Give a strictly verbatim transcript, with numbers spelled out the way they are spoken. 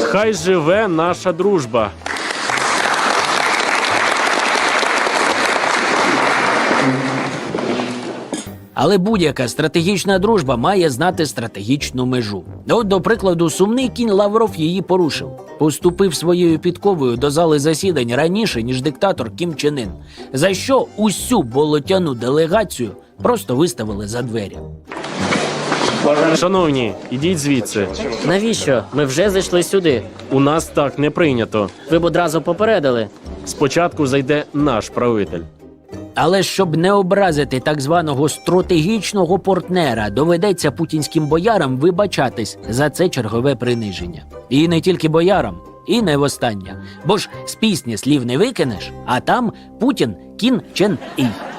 Хай живе наша дружба! Але будь-яка стратегічна дружба має знати стратегічну межу. От, до прикладу, сумний кінь Лавров її порушив. Поступив своєю підковою до зали засідань раніше, ніж диктатор Кім Чен Ін, за що усю болотяну делегацію просто виставили за двері. Шановні, ідіть звідси. Навіщо? Ми вже зайшли сюди. У нас так не прийнято. Ви б одразу попередили. Спочатку зайде наш правитель. Але щоб не образити так званого стратегічного партнера, доведеться путінським боярам вибачатись за це чергове приниження. І не тільки боярам, і не востаннє. Бо ж з пісні слів не викинеш, а там Путін Кін Чен Ій.